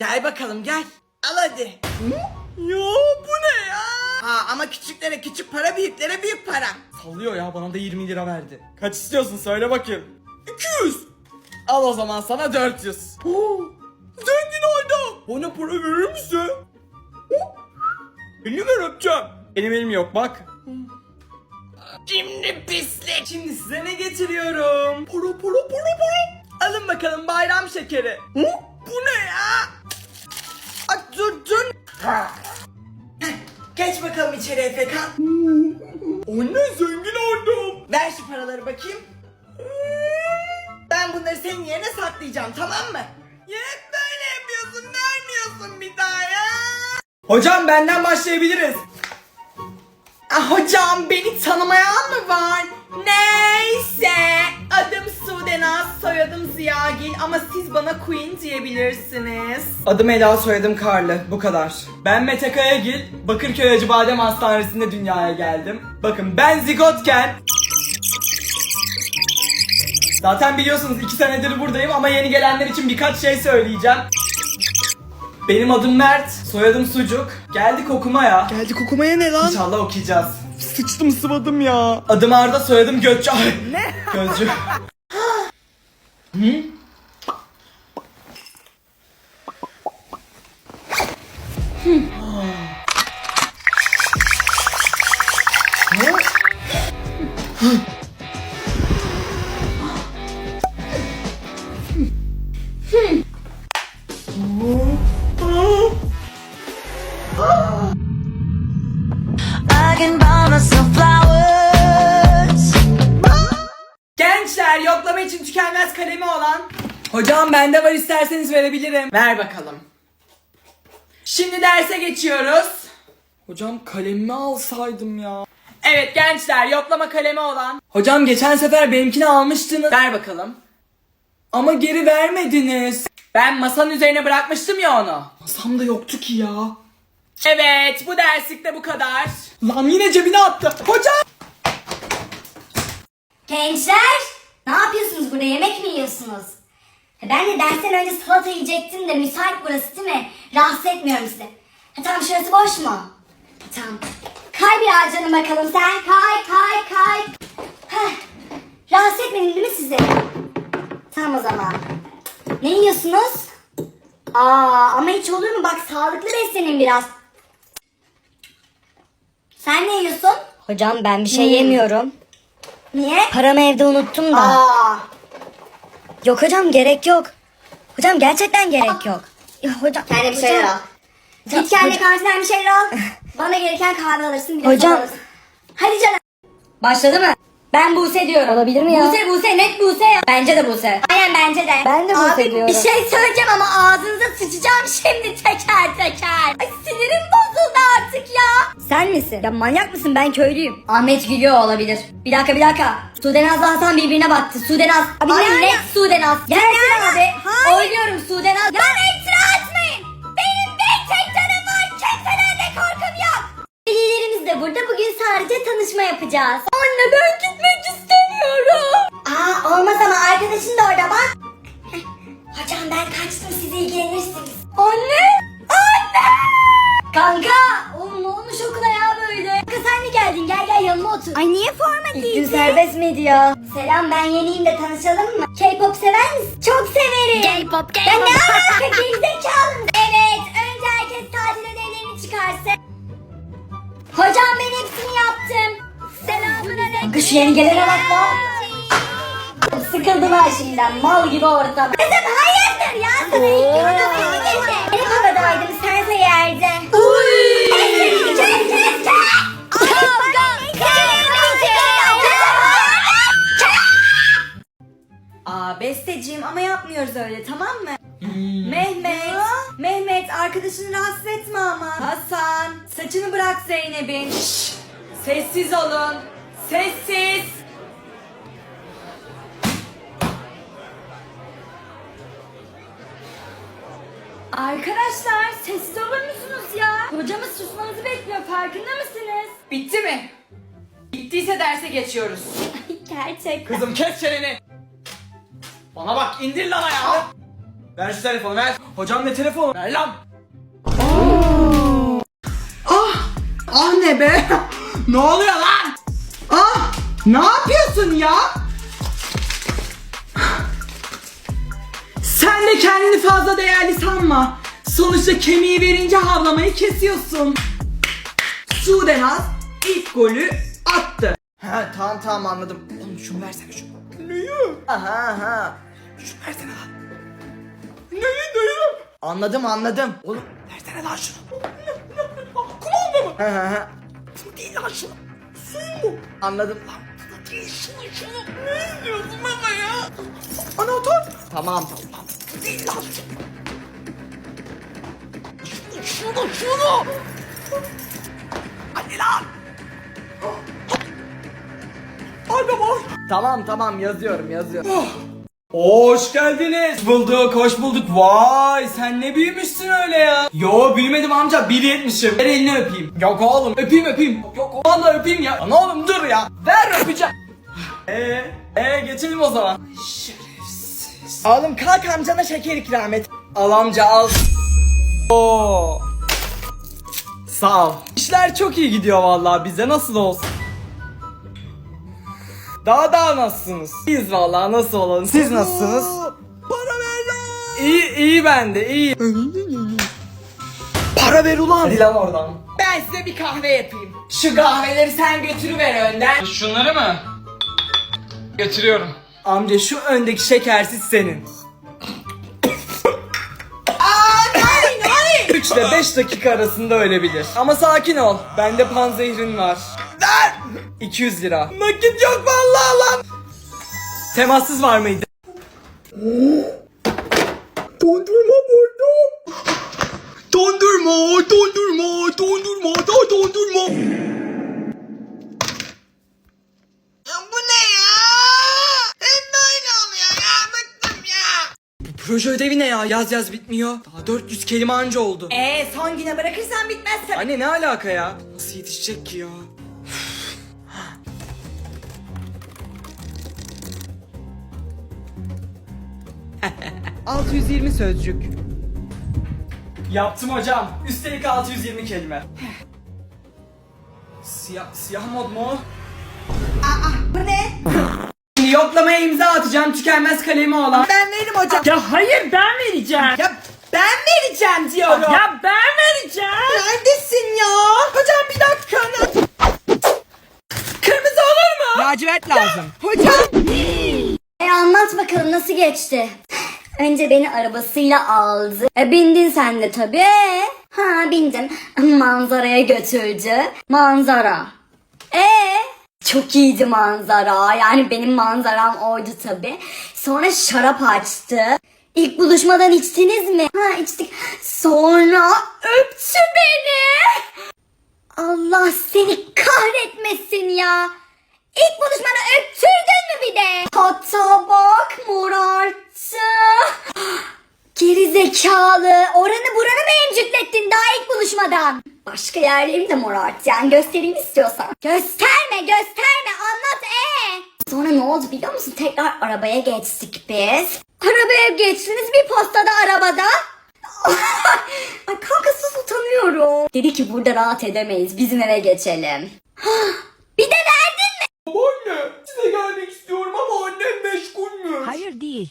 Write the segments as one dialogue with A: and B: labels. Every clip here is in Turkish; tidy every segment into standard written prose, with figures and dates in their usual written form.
A: Gel bakalım gel. Al hadi. Ya bu ne ya? Ha ama küçüklere küçük para, büyüklere büyük para.
B: Sallıyor ya, bana da 20 lira verdi. Kaç istiyorsun söyle bakayım. 200. Al o zaman sana 400. Zengin adam. Bana para verir misin? Elini ver öpeceğim. Benim elim yok bak.
A: Şimdi pislik.
B: Şimdi size ne getiriyorum? Para.
A: Alın bakalım bayram şekeri. Bu ne ya? Dur. Geç bakalım içeri Efekan.
B: Anne zengin oldum.
A: Ver şu paraları bakayım. Ben bunları senin yerine saklayacağım, tamam mı? Ya hep böyle yapıyorsun, vermiyorsun bir daha ya.
B: Hocam benden başlayabiliriz.
A: Hocam beni tanımayan mı var? Neyse. Adım Sudenaz, soyadım Ziyagil ama siz bana Queen diyebilirsiniz.
B: Adım Ela, soyadım Karlı. Bu kadar. Ben Mete Kayagil. Bakırköy Acıbadem Hastanesi'nde dünyaya geldim. Bakın ben zigotken... Zaten biliyorsunuz 2 senedir buradayım ama yeni gelenler için birkaç şey söyleyeceğim. Benim adım Mert, soyadım Sucuk. Geldik okumaya.
A: Geldik okumaya ne lan?
B: İnşallah okuyacağız.
A: Sıçtım sıvadım ya.
B: Adım Arda, soyadım Gökçe. Ay,
A: Ne?
B: Gözcü.
C: I can buy myself flowers.
B: Gençler, yoklama için tükenmez kalemi olan. Hocam bende var, isterseniz verebilirim.
A: Ver bakalım.
B: Şimdi derse geçiyoruz. Hocam kalemimi alsaydım ya. Evet gençler, yoklama kalemi olan. Hocam geçen sefer benimkini almıştınız.
A: Ver bakalım.
B: Ama geri vermediniz.
A: Ben masanın üzerine bırakmıştım ya onu.
B: Masamda yoktu ki ya.
A: Evet, bu derslikte bu kadar.
B: Lan yine cebine attı. Hocam!
D: Gençler, ne yapıyorsunuz burada? Yemek mi yiyorsunuz? Ben de dersten önce salata yiyecektim de müsait burası değil mi? Rahatsız etmiyorum sizi. Tamam, şurası boş mu? Tamam. Kay biraz canım bakalım sen. Kay. Heh. Rahatsız etmedim değil mi sizi? Tamam o zaman. Ne yiyorsunuz? Ama hiç olur mu? Bak sağlıklı beslenin biraz. Sen ne yiyorsun?
E: Hocam ben bir şey yemiyorum.
D: Niye?
E: Paramı evde unuttum da. Yok hocam, gerek yok. Hocam gerçekten gerek yok. Ya hocam.
D: Kendine bir şeyler al. Git kendine kahveden bir şeyler al. Bana gereken kahve alırsın. Bir de
E: Hocam.
D: soda alırsın. Hadi canım.
E: Başladı mı?
D: Ben Buse diyorum.
E: Olabilir mi ya?
D: Buse net Buse ya.
E: Bence de Buse.
D: Aynen bence de.
E: Ben de Buse
D: Abi,
E: diyorum.
D: bir şey söyleyeceğim ama ağzınıza sıçacağım şimdi teker. Ay sinirim bozuldu artık ya.
E: Sen misin? Ya manyak mısın? Ben köylüyüm.
D: Ahmet gülüyor olabilir. Bir dakika. Sudenaz'la Hasan birbirine baktı. Sudenaz.
E: Abi
D: Ay
E: ne
D: net
E: ala-
D: Sudenaz. Gelsin
E: ala-
D: abi.
E: Hayır.
D: Oynuyorum Sudenaz. Bana iftira atmayın. Benim bir tek canım var. Kimseden de korkum yok. Velilerimiz de burada. Bugün sadece tanışma yapacağız. Anne ben gitmek istemiyorum. Olmaz ama arkadaşın da orada bak. Hocam ben kaçtım, siz ilgilenirsiniz. Anne. Kanka. Oğlum ne olmuş okula ya böyle? Kanka sen mi geldin? Gel yanıma otur.
E: Ay niye forma
D: İlk gün serbest miydi ya? Selam, ben yeniyim de tanışalım mı? K-pop sever misin? Çok severim.
E: K-pop.
D: Ya ne alaka gerizekalı mısın? Evet, önce herkes tatil ödevlerini çıkarsın. Hocam ben hepsini yaptım. Selamünaleyküm.
E: Kanka şu yeni gelene bak lan.
D: Sıkıldım ha şimdiden, mal gibi ortam. Kızım hayırdır ya, sana ilk gün ödevini getirdi. Benim havadaydım, sense yerde. Kes.
A: Besteciğim ama yapmıyoruz öyle, tamam mı? Mehmet arkadaşını rahatsız etme ama. Hasan saçını bırak Zeynep'in. Sessiz olun. Sessiz. Arkadaşlar sessiz olur musunuz ya? Hocamız susmanızı bekliyor, farkında mısınız? Bitti mi? Bittiyse derse geçiyoruz.
D: Gerçekten.
B: Kızım kes çeneni. Bana bak, indir lan ayağını. Ver şu telefonu ver. Hocam ne telefonu? Ver lan.
A: Ah ne be?
B: Ne oluyor lan?
A: Ah ne yapıyorsun ya? Sen de kendini fazla değerli sanma. Sonuçta kemiği verince havlamayı kesiyorsun. Sudenaz ilk golü attı.
B: Ha tamam anladım. Oğlum şunu versene şunu.
A: Neyi?
B: Aha. Şunu versene lan.
A: Neyi?
B: Anladım. Oğlum versene lan şunu.
A: Kumanda mı?
B: Ha.
A: Bu değil lan şunu. Suyu mu?
B: Anladım lan.
A: Bu değil şunu. Ne istiyorsun baba ya? Anahtar.
B: Tamam.
A: Bu değil lan şunu. Şunu. Hadi lan. Ay baba.
B: Tamam yazıyorum. Hoş geldiniz. Hoş bulduk. Vay sen ne büyümüşsün öyle ya. Yo büyümedim amca 1.70'im. Ver elini öpeyim. Yok oğlum öpeyim. Yok vallahi öpeyim ya. Lan oğlum dur ya. Ver öpeceğim. Geçelim o zaman. Şerefsiz.
A: Oğlum kalk amcana şeker ikram et.
B: Al amca al. Oo. Sağ ol. İşler çok iyi gidiyor vallahi bize nasıl olsun. Daha nasılsınız? İyiyiz vallahi nasıl olalım. Siz nasılsınız?
A: Para ver lan.
B: İyi ben de iyi.
A: Para ver ulan.
B: Hadi lan oradan.
A: Ben size bir kahve yapayım. Şu kahveleri sen götürüver önden.
B: Şunları mı? Götürüyorum. Amca şu öndeki şekersiz senin.
A: Hayır.
B: 3 ile 5 dakika arasında ölebilir. Ama sakin ol. Bende panzehrin var.
A: Ver.
B: 200 lira.
A: Nakit yok vallahi lan.
B: Temassız var mıydı?
A: Dondurma buldum. Dondurma. Ya bu ne ya? Hep böyle oluyor ya. Bıktım ya.
B: Proje ödevi ne ya? Yaz bitmiyor. Daha 400 kelime anca oldu.
A: Son güne bırakırsan bitmez tabii.
B: Anne ne alaka ya? Nasıl yetişecek ki ya?
A: 620 sözcük.
B: Yaptım hocam. Üstelik 620 kelime. Siyah mod mu?
A: Bu ne?
B: Şimdi yoklamaya imza atacağım tükenmez kalemi olan.
A: Ben veririm hocam.
F: Ya hayır ben vereceğim.
A: Ya ben vereceğim diyorum.
F: Ya ben vereceğim.
A: Neredesin ya? Hocam bir dakika. Kırmızı olur mu? Lacivert lazım. Hocam.
E: Anlat bakalım nasıl geçti? Önce beni arabasıyla aldı. Bindin sen de tabii. Ha bindim. Manzaraya götürdü. Manzara. Çok iyiydi manzara. Yani benim manzaram oydu tabii. Sonra şarap açtı. İlk buluşmadan içtiniz mi? Ha içtik. Sonra öptü beni. Allah seni kahretmesin ya. İlk buluşmada öptürdün mü bir de? Hatta bak morarttı. Geri zekalı. Oranı buranı mı emcüklettin daha ilk buluşmadan? Başka yerlerim de morarttı yani göstereyim istiyorsan. Gösterme anlat Sonra ne oldu biliyor musun? Tekrar arabaya geçtik biz. Arabaya geçtiniz bir postada arabada. Ay kankasız utanıyorum. Dedi ki burada rahat edemeyiz bizim eve geçelim. Bir de verdin mi?
B: Anne size gelmek istiyorum ama annem meşgulmüş.
F: Hayır değil.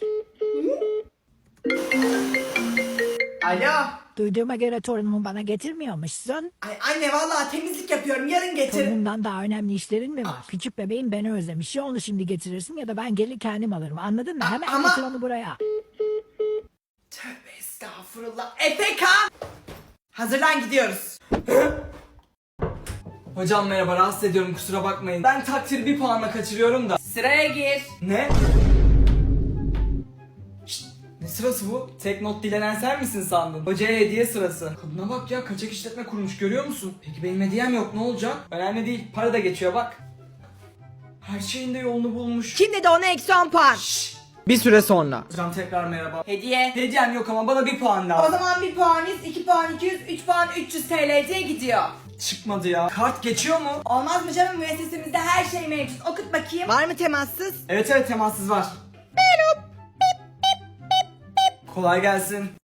A: Alo.
F: Duyduğuma göre torunumu bana getirmiyormuşsun.
A: Ay anne vallahi temizlik yapıyorum. Yarın getir.
F: Torunumdan daha önemli işlerin mi var? Küçük bebeğim beni özlemiş. Ya onu şimdi getirirsin ya da ben gelir kendim alırım. Anladın mı? Hemen
A: ama-
F: getir onu buraya.
A: Tövbe estağfurullah. Efekan. Hazırlan gidiyoruz.
B: Hocam merhaba rahatsız ediyorum kusura bakmayın. Ben takdiri bir puanla kaçırıyorum da.
A: Sıraya gir.
B: Ne? Şşt, ne sırası bu? Tek not dilenen sen misin sandın? Hocaya hediye sırası. Kadına bak ya kaçak işletme kurmuş görüyor musun? Peki benim hediyem yok ne olacak? Önemli değil para da geçiyor bak. Her şeyin de yolunu bulmuş.
A: Kim dedi ona eksi 10 puan? Bir süre sonra.
B: Hocam tekrar merhaba.
A: Hediye.
B: Hediyem yok ama bana bir puan
A: O
B: lazım.
A: zaman 1 puan 100, 2 puan 200, 3 puan 300 TL'ye gidiyor.
B: Çıkmadı ya. Kart geçiyor mu?
A: Olmaz mı canım, müessesemizde her şey mevcut. Okut bakayım. Var mı temassız?
B: Evet temassız var. Kolay gelsin.